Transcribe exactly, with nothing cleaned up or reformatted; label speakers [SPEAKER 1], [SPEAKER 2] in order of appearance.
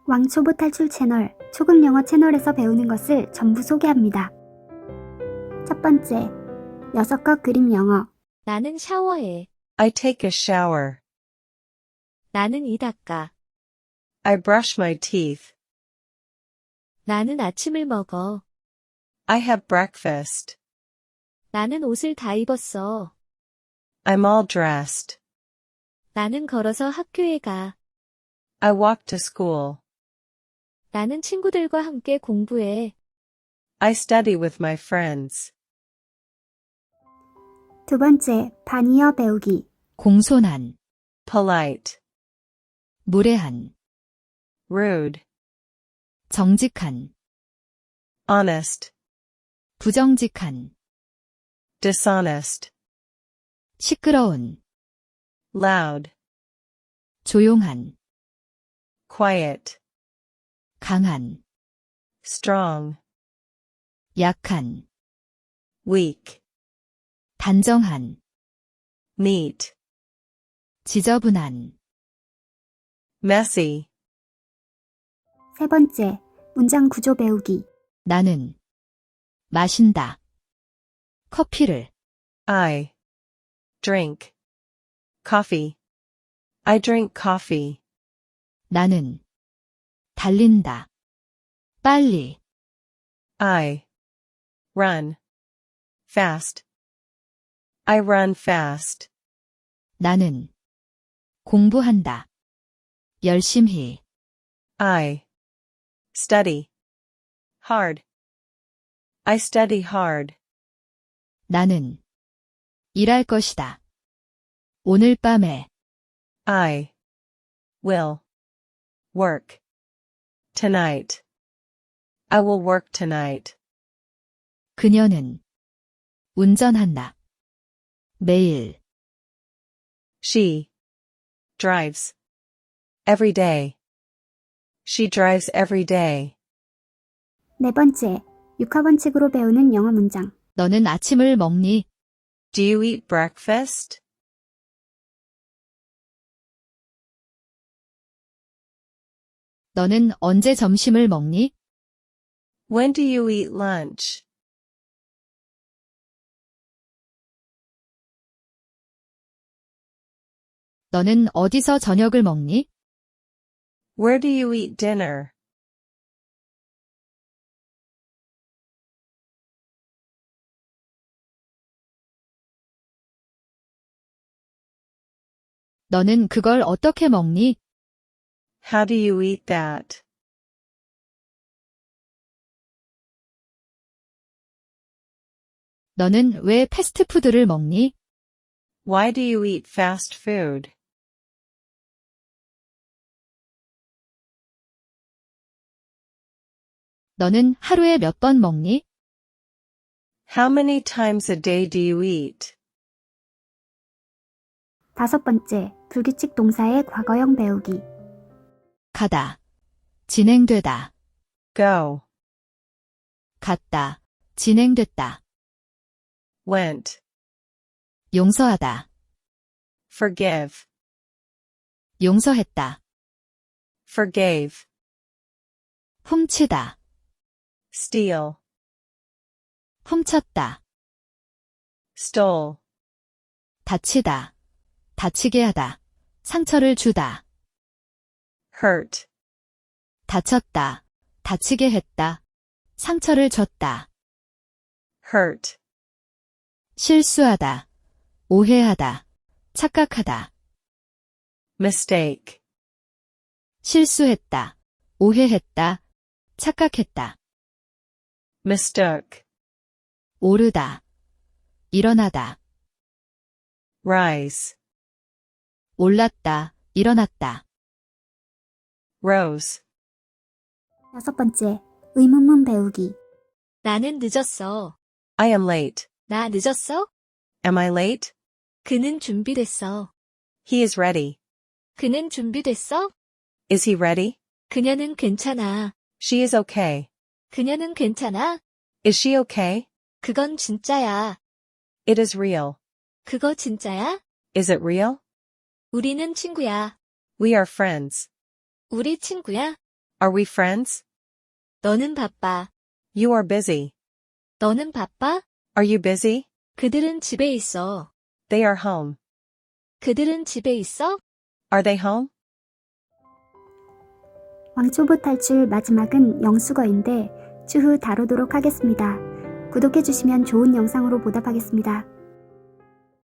[SPEAKER 1] 왕초보 탈출 채널 초급 영어 채널에서 배우는 것을 전부 소개합니다. 첫 번째, 여섯 컷 그림 영어.
[SPEAKER 2] 나는 샤워해.
[SPEAKER 3] I take a shower.
[SPEAKER 2] 나는 이 닦아.
[SPEAKER 3] I brush my teeth.
[SPEAKER 2] 나는 아침을 먹어.
[SPEAKER 3] I have breakfast.
[SPEAKER 2] 나는 옷을 다 입었어.
[SPEAKER 3] I'm all dressed.
[SPEAKER 2] 나는 걸어서 학교에 가.
[SPEAKER 3] I walk to school.
[SPEAKER 2] 나는 친구들과 함께 공부해.
[SPEAKER 3] I study with my friends.
[SPEAKER 1] 두 번째, 반이어 배우기.
[SPEAKER 2] 공손한,
[SPEAKER 3] Polite.
[SPEAKER 2] 무례한,
[SPEAKER 3] Rude.
[SPEAKER 2] 정직한,
[SPEAKER 3] Honest.
[SPEAKER 2] 부정직한,
[SPEAKER 3] Dishonest.
[SPEAKER 2] 시끄러운,
[SPEAKER 3] Loud.
[SPEAKER 2] 조용한,
[SPEAKER 3] Quiet.
[SPEAKER 2] 강한,
[SPEAKER 3] Strong.
[SPEAKER 2] 약한,
[SPEAKER 3] Weak.
[SPEAKER 2] 단정한,
[SPEAKER 3] Neat.
[SPEAKER 2] 지저분한.
[SPEAKER 3] Messy.
[SPEAKER 1] 세 번째, 문장 구조 배우기.
[SPEAKER 2] 나는 마신다. 커피를.
[SPEAKER 3] I drink coffee. I drink coffee.
[SPEAKER 2] 나는 달린다. 빨리.
[SPEAKER 3] I run fast. I run fast.
[SPEAKER 2] 나는 공부한다. 열심히.
[SPEAKER 3] I study hard. I study hard.
[SPEAKER 2] 나는 일할 것이다. 오늘 밤에.
[SPEAKER 3] I will work tonight. I will work tonight.
[SPEAKER 2] 그녀는 운전한다. 매일.
[SPEAKER 3] She drives every day. She drives every day.
[SPEAKER 1] 네 번째, 육하원칙으로 배우는 영어 문장.
[SPEAKER 2] 너는 아침을 먹니?
[SPEAKER 3] Do you eat breakfast?
[SPEAKER 2] 너는 언제 점심을 먹니?
[SPEAKER 3] When do you eat lunch?
[SPEAKER 2] 너는 어디서 저녁을 먹니?
[SPEAKER 3] Where do you eat dinner?
[SPEAKER 2] 너는 그걸 어떻게 먹니?
[SPEAKER 3] How do you eat that?
[SPEAKER 2] 너는 왜 패스트푸드를 먹니?
[SPEAKER 3] Why do you eat fast food?
[SPEAKER 2] 너는 하루에 몇 번 먹니?
[SPEAKER 3] How many times a day do you eat?
[SPEAKER 1] 다섯 번째, 불규칙 동사의 과거형 배우기.
[SPEAKER 2] 가다. 진행되다.
[SPEAKER 3] Go.
[SPEAKER 2] 갔다. 진행됐다.
[SPEAKER 3] Went.
[SPEAKER 2] 용서하다.
[SPEAKER 3] Forgive.
[SPEAKER 2] 용서했다.
[SPEAKER 3] Forgave.
[SPEAKER 2] 훔치다.
[SPEAKER 3] Steal.
[SPEAKER 2] 훔쳤다.
[SPEAKER 3] Stole.
[SPEAKER 2] 다치다. 다치게 하다. 상처를 주다.
[SPEAKER 3] Hurt.
[SPEAKER 2] 다쳤다. 다치게 했다. 상처를 줬다.
[SPEAKER 3] Hurt.
[SPEAKER 2] 실수하다. 오해하다. 착각하다.
[SPEAKER 3] Mistake.
[SPEAKER 2] 실수했다. 오해했다. 착각했다.
[SPEAKER 3] Mistook.
[SPEAKER 2] 오르다. 일어나다.
[SPEAKER 3] Rise.
[SPEAKER 2] 올랐다. 일어났다.
[SPEAKER 3] Rose.
[SPEAKER 1] 여섯 번째, 의문문 배우기.
[SPEAKER 2] 나는 늦었어.
[SPEAKER 3] I am late.
[SPEAKER 2] 나 늦었어?
[SPEAKER 3] Am I late?
[SPEAKER 2] 그는 준비됐어.
[SPEAKER 3] He is ready.
[SPEAKER 2] 그는 준비됐어?
[SPEAKER 3] Is he ready?
[SPEAKER 2] 그녀는 괜찮아.
[SPEAKER 3] She is okay.
[SPEAKER 2] 그녀는 괜찮아?
[SPEAKER 3] Is she okay?
[SPEAKER 2] 그건 진짜야.
[SPEAKER 3] It is real.
[SPEAKER 2] 그거 진짜야?
[SPEAKER 3] Is it real?
[SPEAKER 2] 우리는 친구야.
[SPEAKER 3] We are friends.
[SPEAKER 2] 우리 친구야?
[SPEAKER 3] Are we friends?
[SPEAKER 2] 너는 바빠.
[SPEAKER 3] You are busy.
[SPEAKER 2] 너는 바빠?
[SPEAKER 3] Are you busy?
[SPEAKER 2] 그들은 집에 있어.
[SPEAKER 3] They are home.
[SPEAKER 2] 그들은 집에 있어?
[SPEAKER 3] Are they home?
[SPEAKER 1] 왕초보 탈출 마지막은 영수거인데 추후 다루도록 하겠습니다. 구독해주시면 좋은 영상으로 보답하겠습니다.